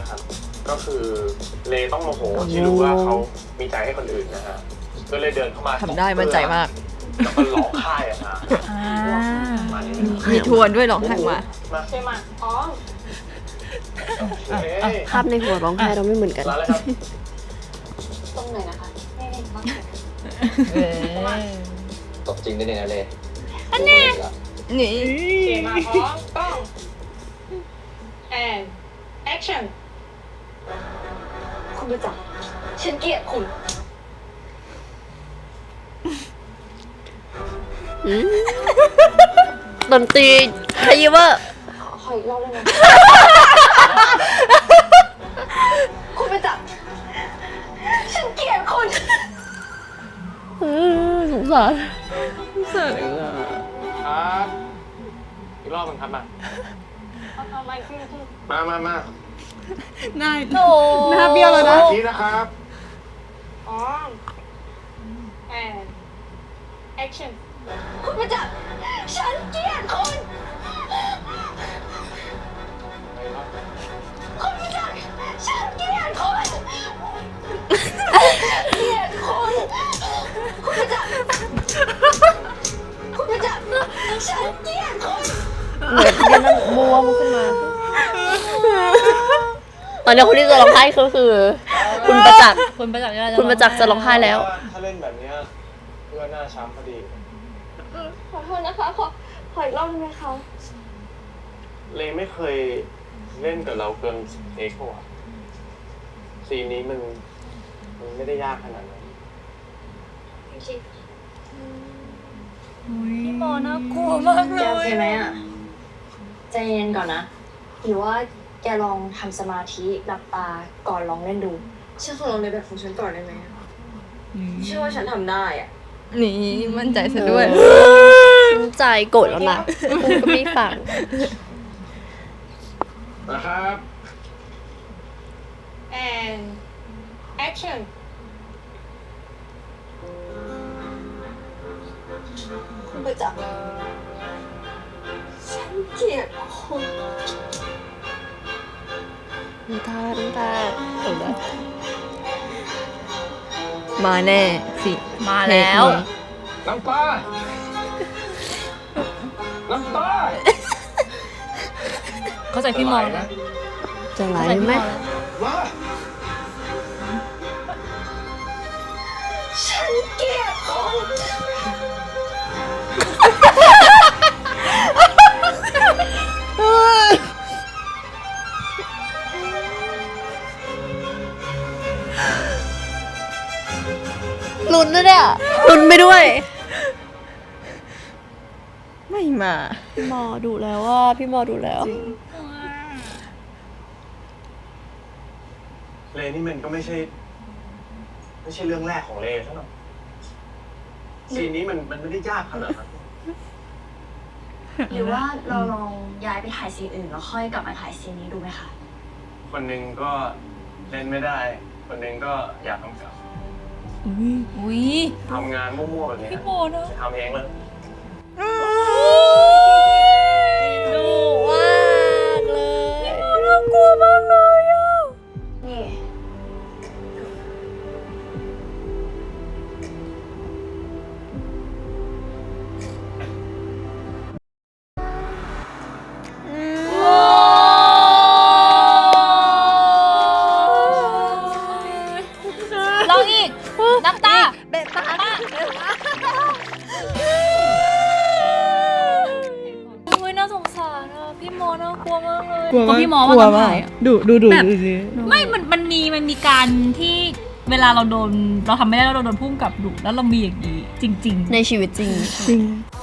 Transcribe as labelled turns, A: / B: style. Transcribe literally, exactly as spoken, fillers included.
A: นะครับก็คือเลต้องโมโหที่รู้ว่าเขามีใจให้คนอื่นนะฮะก็เลยเดินเข้ามา
B: ทำได้มั่นใจมาก
A: แล้วก็ร้องไห้อะฮะมานี่
B: มีทวนด้วยร้องไห้มา
A: มาใช่มาอ๋อ
C: ภาพในหัวร้องไห้เราไม่เหมือนกัน
A: ร้านเลยครับ
D: ตรงไหนนะคะไม่เห็นบ้าง
E: ตบจริงได้เนี่ยนะเล
B: อันนี้นี่
D: เกมมาพร้อมต้อง and action คุณประจักษ์ฉันเกลียดคุณ
C: ดนตรีไฮเวอร์
D: ขอขออีกรอบได้ไหม คุณประจักษ์ฉันเกลียดคุณ
C: สงสาร
A: ครับอีกรอบนึงครับมามามามา
B: หน้าหน้าเบี้ยวแล้วนะ
A: ชี้นะครับ
D: พร้อม and action คุณประจักษ์ฉันเกลียดคุณ คุณประจักษ์ฉันเกลียดคุณเกลียดคุณคุณประจักษ์คุณประจักษ์ฉันเกลียดคุณ
C: เหมือนกันนั่นบวมขึ้นมา ตอนนี้คนที่จะร้องไห้ก็คือ คุณประจักษ์
B: คุณประจักษ์
C: คุณประจักษ์จะร้องไห้แล้ว
A: ถ้าเล่นแบบเนี้ยเพื่อหน้าช้ำพอดี
D: ขอโทษนะคะ ขอขออีกรอบได้ไหมคะ
A: เลไม่เคยเล่นกับเราเกินสิบเทคว่ะซีนนี้มันมันไม่ได้ยากขนาดนั้น
B: พี่โมน่ากลัวมากเล
D: แกโอย เคไหมอ่ะ ใจเย็นก่อนนะ หรือว่าแกลองทำสมาธิหลับตาก่อนลองเล่นดูฉันขอลองในแบบของฉันก่อนได้ไหมเชื่อว่าฉันทำได้อ่ะ
B: นี่มั่นใจซะด้วย
C: ใจโกรธแล้วนะกูก็ไม่ฟัง
A: นะครับ
D: and action คุณประจักษ์ฉันเกลียดคุณ
C: น้ำตา น้ำตาเออ
B: มาแน่สิมาแล้ว
A: น้ำตา น้ำตา
B: เข้าใจพี่โมนะ
C: จะไหลไหม
A: มา
D: ฉันเกลียดคุณ
C: ลุ้นนะเนี่ยลุ้นไปด้วย
B: ไม่มา
C: พี่หมอดูแล้วว่าพี่หมอดูแล้ว
A: เลนี่มันก็ไม่ใช่ ไม่ใช่เรื่องแรกของเลซะหน่อยซีนนี้มันมันไม่ได้ยากขนาดนั้น
D: หรือว่าเราลองย้ายไปถ่ายซีนอื่นแล้วค่อยกลับมาถ่ายซีนนี้ดูไหมคะ
A: คนหนึ่งก็เล่นไม่ได้ คนหนึ่งก็อยากทำกับ
B: อุ้ย
A: ทำงานมั่วๆแบบนี้
B: พี่โมนะ
A: ทำเองเลย
C: ดูมากเลย
B: น่ากลัวมากเลยอ่ะ
D: นี่
B: ลองอีก น้ำตา
C: เบะปาก
B: อุ้ยน่าสงสารอ่ะ พี่โมน่ากลัวมากเลย
F: กลัว
B: ก็
F: มาก
B: พี่โมว่าตอนถ่ายอะ
F: ดูดูดู
B: แบบ
F: ดูสิ
B: ไม่ มัน มันมี มันมีการที่เวลาเราโดน เราทำไม่ได้แล้วเราโดนพุ่งกับดุแล้วเรามีอย่างนี้ จริง ๆ
C: ในชีวิตจริง
F: จริง